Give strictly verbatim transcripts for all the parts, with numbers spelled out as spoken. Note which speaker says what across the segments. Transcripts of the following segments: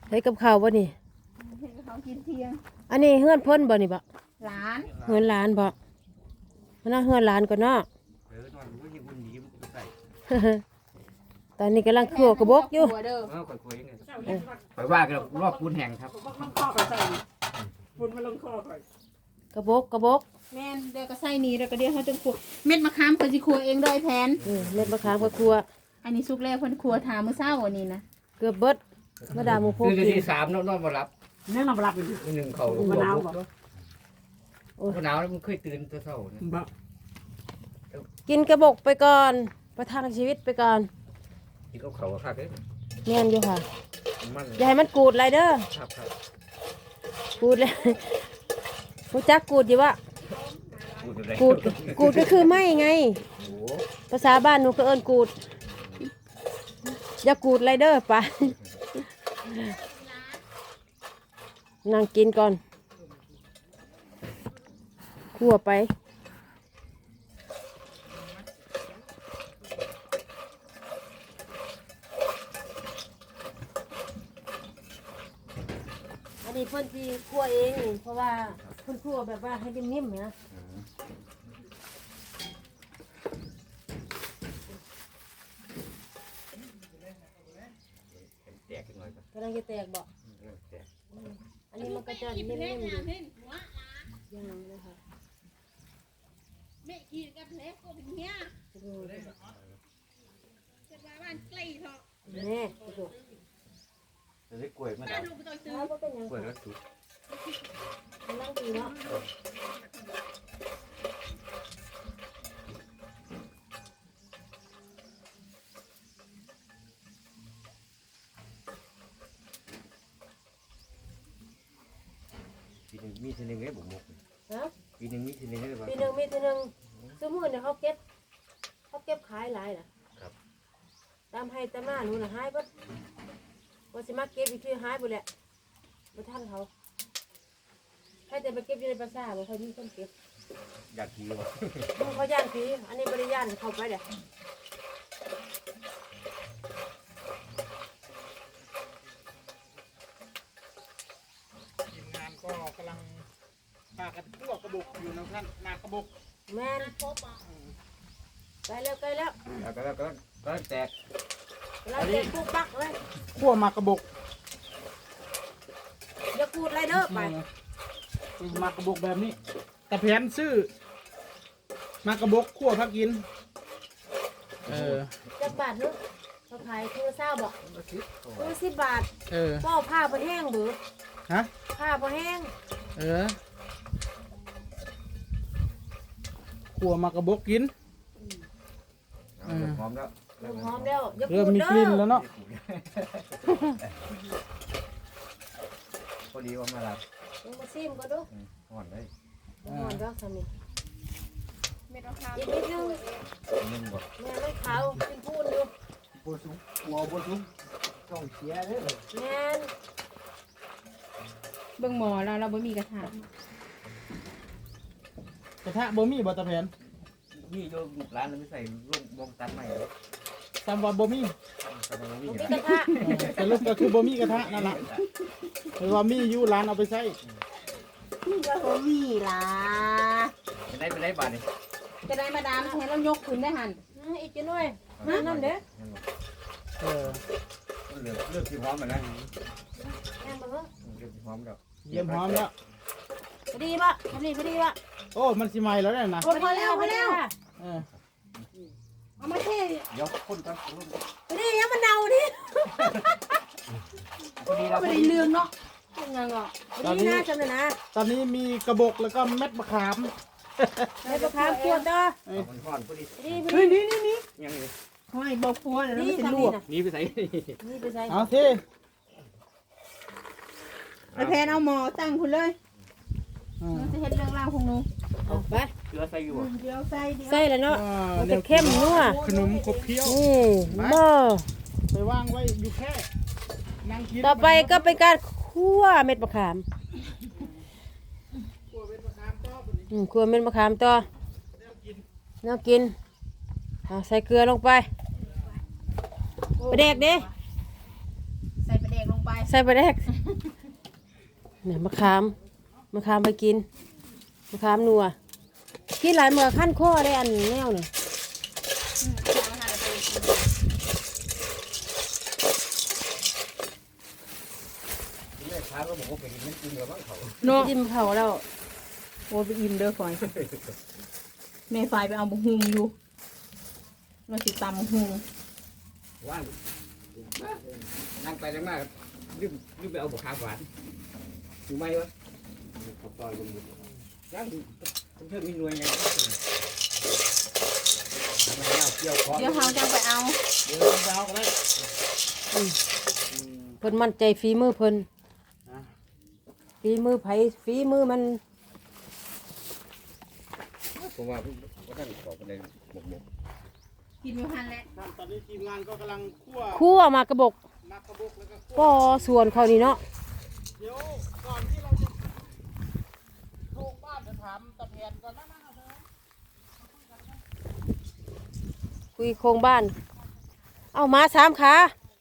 Speaker 1: ใช้กับข้าวบ่นี่
Speaker 2: เขากินเที่ยง
Speaker 1: อันนี้เฮือนเพิ่นบ่นี่บ่
Speaker 2: หลาน
Speaker 1: เฮือนหลานบ่มันน่าเฮือนหลานก่อนเนาะตอนนี้กำลังคั่วกระบอกอยู่
Speaker 3: ไปว่ากันรอบปูนแห้งครับ
Speaker 2: มันข้อไปใส่ปูนมันลงข้อไป
Speaker 1: กระบอกกระบอก
Speaker 2: แม่นเดี๋ยวก็ใส่นี่แล้วก็เดี๋ยวเขาจะคั่วเม็ดมะขามเพิ่นสิคั่วเองโดยแผน
Speaker 1: เม็ดมะขามก็คั่ว
Speaker 2: อันนี้สุกแล้วเพิ่นคั่วถามมื้อเช้าอันนี้นะ
Speaker 1: เกือบเบิดมาดามหมูโพกิน
Speaker 3: ที่สามนอนบ่หลับ
Speaker 2: เนี่ยนอนบ่หลับอีก
Speaker 3: หนึ่งเขา
Speaker 2: มะนาวบ่
Speaker 3: โอ้มะนาวมันเคยตื่นแต่เช้านะ
Speaker 1: กินกระบอกไปก่อนประทังชีวิตไปก่อน
Speaker 3: กินกับเขาคักเด้
Speaker 1: แม่นอยู่ค่ะอย่าให้มันกูดไรเด้อ
Speaker 3: ครับครับ
Speaker 1: กูดเลยรู้จักกูดอยู่วะกูดกูดก็คือไม่ไงภาษาบ้านหนูก็เอิ้นกูดอย่ากูดไรเด้อไปนั่งกินก่อนคั่วไปอันนี้เพิ่นที่คั่วเองเพราะว่าเพิ่นคั่วแบบว่าให้นิ่มๆนะกำลังจะแตกบ่อันนี้มันก็จะนิ่มๆอยู่ยังเลยค่ะ
Speaker 2: แม่กินกับเล็กก็เป็นเนี้ยจะมาบ้านใกล้เถอะ
Speaker 1: แม่ดู
Speaker 3: จะได้กล้วยมาแล้วกล้วยแล้วสุก
Speaker 1: นั่งดีเนาะ
Speaker 3: ปีหนึ่งมีทีหนึ่งได้บุกมุกปีหนึ่งมีทีหนึ่งได้
Speaker 1: ปีหนึ่งมีทีหนึ่งสมมติเนี่ยเขาเก็บเขาเก็บขายหลายน่ะตามให้ตามหน้าหนูน่ะหายปั๊บว่าสิมาเก็บอีกทีหายไปแหละมาท่านเขาให้แต่ไปเก็บอยู่ในภาษาบอกเขามีคนเก็บ
Speaker 3: อยากทีวะ
Speaker 1: เขาย่านทีอันนี้บริย่านเขาไปเดี๋ยว
Speaker 4: ทีมงานก็กำลังพากันพวกกระบอกอยู่นะท่านนากระบอก
Speaker 1: แม่นไปแล้วไปแล้ว
Speaker 3: แล้วก็แล้วก็ก็แตก
Speaker 1: เราเก็บปุ๊บปักเลย
Speaker 4: ขั้วมากระบอก
Speaker 1: อย่าพูดอะไรเด้อไป
Speaker 4: มากระบอกแบบนี้แต่แผนซื้อมากระบอกขั้วพักกินเออ
Speaker 1: จักบาทนึกเขาขายคือเศร้าบอกคือสิบบาท
Speaker 4: เออ
Speaker 1: ก็ผ้าพอแห้งหรือ
Speaker 4: ฮะ
Speaker 1: ผ้าพอแห้ง
Speaker 4: เออขั้วมากระบอกกิน
Speaker 3: หอมแล้ว
Speaker 1: หอมแล้ว
Speaker 4: เริ่มมีกลิ่นแล้วเนาะ
Speaker 3: พอดีว่ามาลับ
Speaker 1: ยังมาซิมก็ดู
Speaker 3: หอนเลย
Speaker 1: หอนแล้วสามี
Speaker 2: ไม่ต้องทำ
Speaker 1: อีกนิดนึง
Speaker 3: นึ่งบด
Speaker 1: แม่ไม่ขาวกินพูนอยู่
Speaker 3: ปูซุ้มหัวปูซุ้มต้องเสียเลย
Speaker 1: แม่
Speaker 2: เบิ่งหมอเราเราบ่มีกระถาง
Speaker 4: กระทะบ่มีบ่ตะแผน
Speaker 3: นี่โยมร้านเราไม่ใส่ลูกบงตันใหม่เลย
Speaker 4: ตามว่าบ่มี
Speaker 1: มีกระทะ
Speaker 4: แต่ลูกก็คือบ่มีกระทะนั่นแหละหรือว่ามีอยู่ร้านเอาไปใช้
Speaker 1: ก็บ่มีล่ะ
Speaker 3: จะได้ไปได้บาทนี่
Speaker 2: จะได้มาดามให้เรายกขึ้นได้หัน
Speaker 1: อีกจังหน่อยมานั่นเด้อ
Speaker 4: เออ
Speaker 3: เลือกเลือกสีหอมมาแล้ว
Speaker 1: แม่บ่เฮ้อ
Speaker 3: เลือกสีหอมแล้ว
Speaker 4: เยี่ยมหอมแล้ว
Speaker 1: พอดีป่ะพอดีพอดีป่ะ
Speaker 4: โอ้มันสิใหม่แล้วเนี่ยนะ
Speaker 1: พอแล้วพอแล้ว
Speaker 4: เออ
Speaker 1: เอามาเท
Speaker 3: เดี๋ยวคนกัน
Speaker 1: พอดียังมันเน่าดิ
Speaker 3: พอดีเรา
Speaker 1: พอดีเรื่องเนาะยังไงอ่ะพอดีนะจำเลยนะ
Speaker 4: ตอนนี้มีกระบอกแล้วก็เม็ดมะขาม
Speaker 1: เม็ดมะขามขวดเด้อ
Speaker 3: มันห่อนพอดี
Speaker 1: เฮ้ยนี่นี่นี่
Speaker 3: ยังไง
Speaker 2: ห้อยบอกพัวแล้วไม่เป็นลวก
Speaker 3: นี่ไปใส่
Speaker 1: นี่ไปใส่
Speaker 4: เอาที่
Speaker 2: ไอแพนเอาหมอตั้งคุณเลยมันจะเห็นเรื่องราวของหนู
Speaker 1: ไป
Speaker 3: เกลือใส่อยู่
Speaker 2: เดี๋ยวใส่เดี๋ยว
Speaker 1: ใส่แล้วเนาะมันจะเข้มนัว
Speaker 4: ขนมขบเคี้ยว
Speaker 1: นี่หม้อ
Speaker 4: ไปวางไว้อยู่แค่นั่งกิน
Speaker 1: ต่อไปก็เป็นการคั่วเม็ดมะขาม
Speaker 4: คั่วเม็ดมะขามต่อ
Speaker 1: คั่วเม็ดมะขามต่อน่ากินใส่เกลือลงไปปลาแดกดิ
Speaker 2: ใส่ปลาแดกลงไปไป
Speaker 1: ใส่ไปแรกเนี่ยมะขามมะขามไปกินมะขามนัวกินหลายเมื่อขั้นข้อได้อันแนวเนี่ย
Speaker 2: อืมเอาอาหารไปกิน
Speaker 3: แม่ค้าก็บอกว่าเป็นมันกินแล้วบ้างเขา
Speaker 2: เนาะ
Speaker 1: จิ้มเขาแล้ว
Speaker 2: โอ้ยไปอิ่มเด้อฝอยแม่ฝายไปเอาบุหุงอยู่มาสิตำบุหุง
Speaker 3: ว่างนั่งไปนั่งมาลืมลืมไปเอาบุกขาหวานอยู่ไหมวะขอบตอนกันหมดยังเพิ่มมีหน่วยไงทำไมเอาเกี่ยวคอ
Speaker 2: เดี๋ยวเขาจะไปเอา
Speaker 4: เดี๋ยวดาวก็ได้
Speaker 1: เพิ่นมั่นใจฝีมือเพิ่นฝีมือไผฝีมือมัน
Speaker 3: ผมว่าว่าท่านขอไปเลยหมกหมก
Speaker 2: กินอยู่หันแหละ
Speaker 4: ครับตอนนี้ทีมงานก็กำลังคั่ว
Speaker 1: คั่วมากระบอก
Speaker 4: มากระบอกแล้วก็คั่ว
Speaker 1: ป้อส่วนเขานี่เนาะ
Speaker 4: เดี๋ยวก่อนที่เราจะโทรบ้านจะถามตะแผนก่อนนะนะเถอะ
Speaker 1: คุยโครงบ้าน เอามาสามขา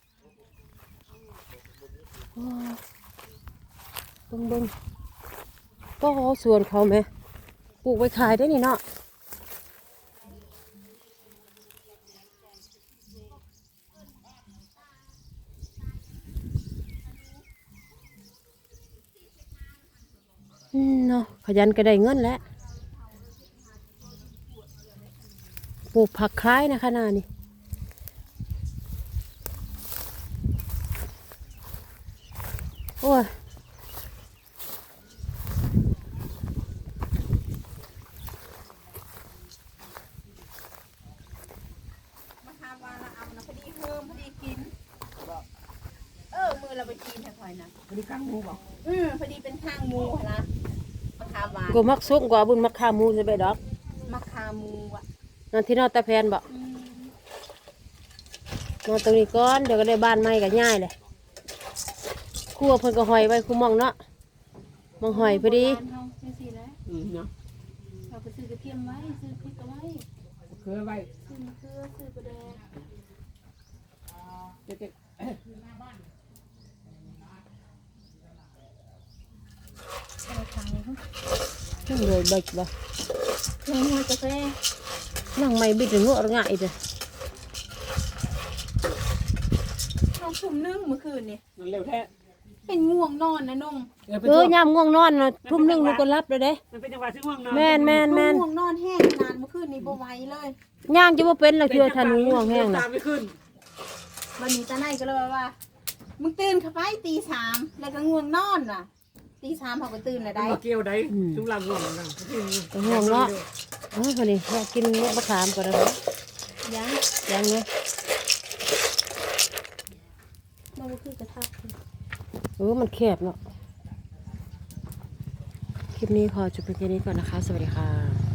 Speaker 1: โอ้เบิ่งเบิ่งป้อส่วนเขาไหมปลูกไว้ขายได้นี่เนาะอืมเนาะขยันก็ได้เงินแล้วปลูกผักคล้ายนะขนาดนี้โอ้ย
Speaker 2: มาทำวาละเอานะพอดีเพิ่มพอดีกินเออมือเราไปกินแค่พอยนะ
Speaker 4: พอดีกั้งหมูบอก
Speaker 2: อืมพอดีเป็นข้างหมูหั่นนะมะขามหวาน
Speaker 1: กูมักซุกกว่าบุญมักขาหมูจะไปดอก
Speaker 2: มะขามหมูอ่ะ
Speaker 1: นอนที่นอนตะแพนบอก
Speaker 2: อืม
Speaker 1: นอนตรงนี้ก่อนเดี๋ยวก็ได้บ้านใหม่ก็ง่ายเลยครั่วเพิ่นก็หอยไว้คู่หมองเนาะหมองหอยพอดี
Speaker 2: บ้านเฮาจังซี่แหละ
Speaker 4: อืมเนาะ
Speaker 2: เราไปซื้อกระเทียมไว้ซื้อพริกเอาไว้
Speaker 4: เคยไว้
Speaker 2: ซื้อมะเขือซื้อปลาแดก
Speaker 4: เจ๊ก
Speaker 2: เอาทางนี้เพิ่น
Speaker 1: นั่งเลยเบิกบ่
Speaker 2: เพลงหัวกาแฟ
Speaker 1: นั่งไม่บิดหัวง่ายเลย
Speaker 2: น้องทุ่มนึงเมื่อคืนนี่
Speaker 4: ๆนั่นเร็วแท้
Speaker 2: เป็นง่วงนอนนะน้อง
Speaker 1: เออยามง่วงนอนนะทุ่มหนึงลูกก็รับเลยเด้
Speaker 4: มันเป็นจังหวะที่ง่วงนอน
Speaker 1: แม่นแม่นแม่น
Speaker 2: ง่วงนอนแห้งนานเมื่อคืนนี้บ่ไหวเลย
Speaker 1: ย่างจะว่าเป็นละเทือทันง่วงแห้ง
Speaker 4: ตา
Speaker 1: นะ
Speaker 4: มไม่ขึ้น
Speaker 2: วันนี้ตาไนก็เลยว่ามึงตื่นเข้าไปตีสามแล้วก็ง่วงนอนว่ะตีสามเขาก็ตื่นแล้วได้
Speaker 4: มาเกี่ยวได้จุงลำง่วงนะ
Speaker 1: ก็ง่วงเนาะเออพอดีเรากินเม็ดมะขามก่อนนะ
Speaker 2: ยัง
Speaker 1: ยังไง
Speaker 2: เราก็คือกระทับ
Speaker 1: เออมันแคบเนาะคลิปนี้ขอจบเพียงแค่นี้ก่อนนะคะ สวัสดีค่ะ